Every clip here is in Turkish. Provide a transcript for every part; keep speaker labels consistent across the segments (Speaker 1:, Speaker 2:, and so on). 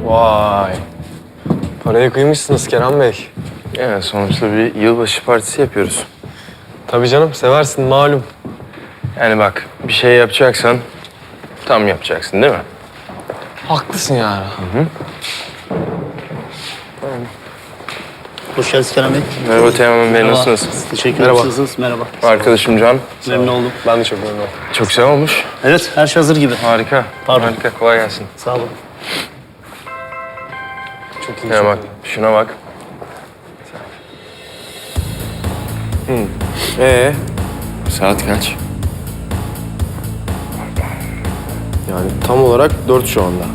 Speaker 1: Vay. Paraya kıymışsınız Kerem Bey.
Speaker 2: Yani sonuçta bir yılbaşı partisi yapıyoruz.
Speaker 1: Tabii canım, seversin malum.
Speaker 2: Yani bak, bir şey yapacaksan tam yapacaksın değil mi?
Speaker 1: Haklısın yani.
Speaker 3: Hoş geldiniz Kerem Bey.
Speaker 2: Merhaba Teğmen Bey, nasılsınız?
Speaker 3: Teşekkür
Speaker 1: Merhaba.
Speaker 3: ederim. Nasılsınız? Merhaba.
Speaker 2: Arkadaşım Can.
Speaker 3: Memnun oldum.
Speaker 1: Ben de çok memnun oldum.
Speaker 2: Çok güzel olmuş.
Speaker 3: Evet, her şey hazır gibi.
Speaker 2: Harika.
Speaker 3: Pardon.
Speaker 2: Harika, kolay gelsin.
Speaker 3: Sağ olun.
Speaker 1: Çok iyi.
Speaker 2: Ya
Speaker 1: çok
Speaker 2: bak,
Speaker 1: iyi.
Speaker 2: şuna bak. Saat kaç?
Speaker 1: Yani tam olarak 4 şu anda.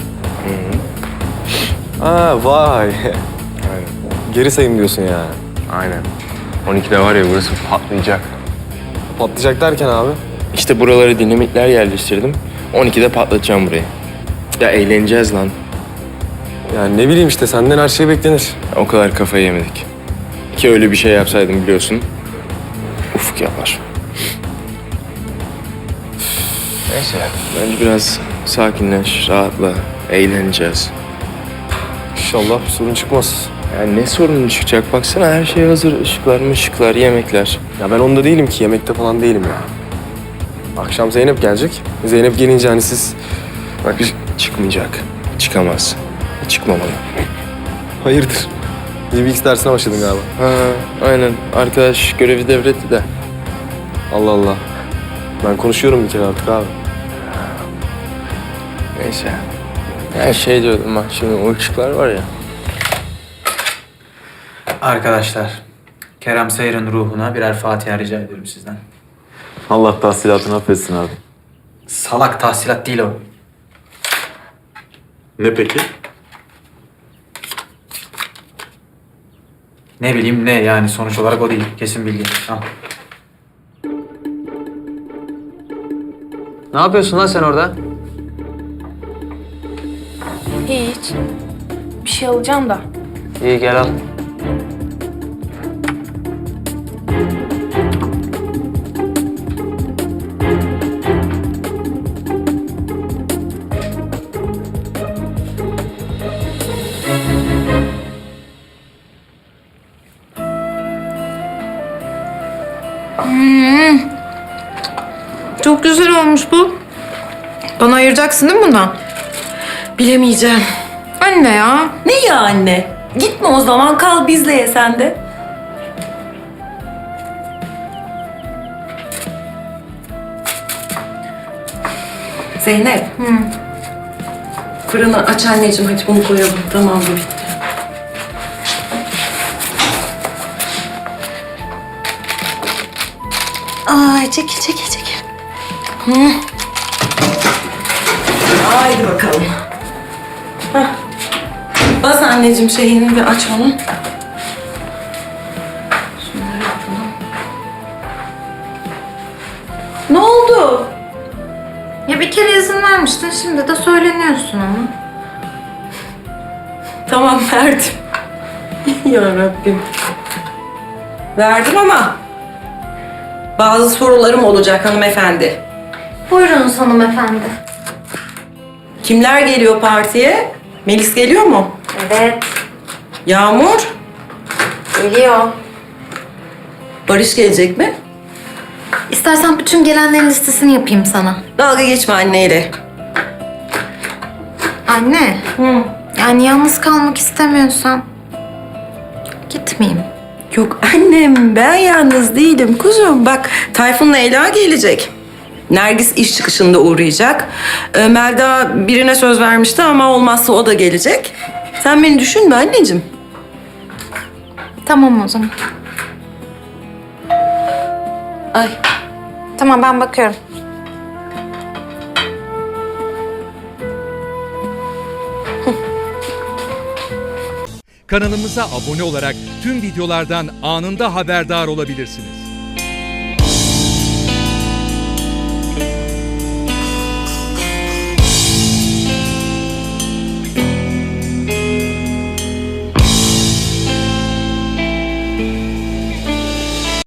Speaker 1: Aa vay.
Speaker 2: Aynen.
Speaker 1: Geri sayım diyorsun yani.
Speaker 2: Aynen. 12'de var ya, burası patlayacak.
Speaker 1: Patlayacak derken abi.
Speaker 2: İşte buralara dinamitler yerleştirdim. 12'de patlatacağım burayı. Ya eğleneceğiz lan.
Speaker 1: Yani ne bileyim işte senden her şey beklenir.
Speaker 2: O kadar kafayı yemedik. Ki öyle bir şey yapsaydım biliyorsun. Ufuk yapar. Neyse. Bence biraz sakinleş, rahatla. Eğleneceğiz.
Speaker 1: İnşallah bir sorun çıkmaz.
Speaker 2: Yani ne sorun çıkacak? Baksana her şey hazır. Işıklar, yemekler.
Speaker 1: Ya ben onda değilim ki, yemekte falan değilim ya. Akşam Zeynep gelecek. Zeynep gelince hani siz...
Speaker 2: Bak çıkmayacak. Çıkamaz. Çıkmamalı.
Speaker 1: Hayırdır? DBX dersine başladın galiba.
Speaker 2: Ha, aynen. Arkadaş görevi devretti de.
Speaker 1: Allah Allah. Ben konuşuyorum bir kere artık abi.
Speaker 2: Neyse. Ya şey diyordum bak, şimdi o ışıklar var ya.
Speaker 4: Arkadaşlar, Kerem Sayır'ın ruhuna birer Fatiha rica ediyorum sizden.
Speaker 5: Allah tahsilatını affetsin abi.
Speaker 4: Salak tahsilat değil o.
Speaker 5: Ne peki?
Speaker 4: Ne bileyim ne yani sonuç olarak o değil. Kesin bilgi. Al. Ne yapıyorsun lan sen orada?
Speaker 6: Hiç. Bir şey alacağım da.
Speaker 4: İyi gel al.
Speaker 6: Çok güzel olmuş bu. Bana ayıracaksın değil mi bundan?
Speaker 7: Bilemeyeceğim.
Speaker 6: Anne ya.
Speaker 7: Ne ya anne? Gitme o zaman, kal bizle ye sen de. Zeynep. Fırını aç anneciğim, hadi bunu koyalım. Tamam, bu bitti. Ay çekil çekil çekil. Haydi bakalım. Hah. Bas anneciğim şeyini, bir aç onu. Şunları yapalım. Ne oldu?
Speaker 6: Ya bir kere izin vermiştin, şimdi de söyleniyorsun ama.
Speaker 7: Tamam, verdim. Ya Rabbim. Verdim ama bazı sorularım olacak hanımefendi.
Speaker 6: Buyurunuz hanımefendi.
Speaker 7: Kimler geliyor partiye? Melis geliyor mu?
Speaker 6: Evet,
Speaker 7: Yağmur?
Speaker 6: geliyor.
Speaker 7: Barış gelecek mi?
Speaker 6: İstersen bütün gelenlerin listesini yapayım sana.
Speaker 7: Dalga geçme anneyle.
Speaker 6: Anne, yani yalnız kalmak istemiyorsan gitmeyeyim.
Speaker 7: Yok annem, ben yalnız değilim kuzum. Bak, Tayfun'la Ela gelecek. Nergis iş çıkışında uğrayacak. Melda birine söz vermişti ama olmazsa o da gelecek. Sen beni düşünme anneciğim.
Speaker 6: Tamam o zaman.
Speaker 7: Ay.
Speaker 6: Tamam, ben bakıyorum.
Speaker 8: Kanalımıza abone olarak tüm videolardan anında haberdar olabilirsiniz.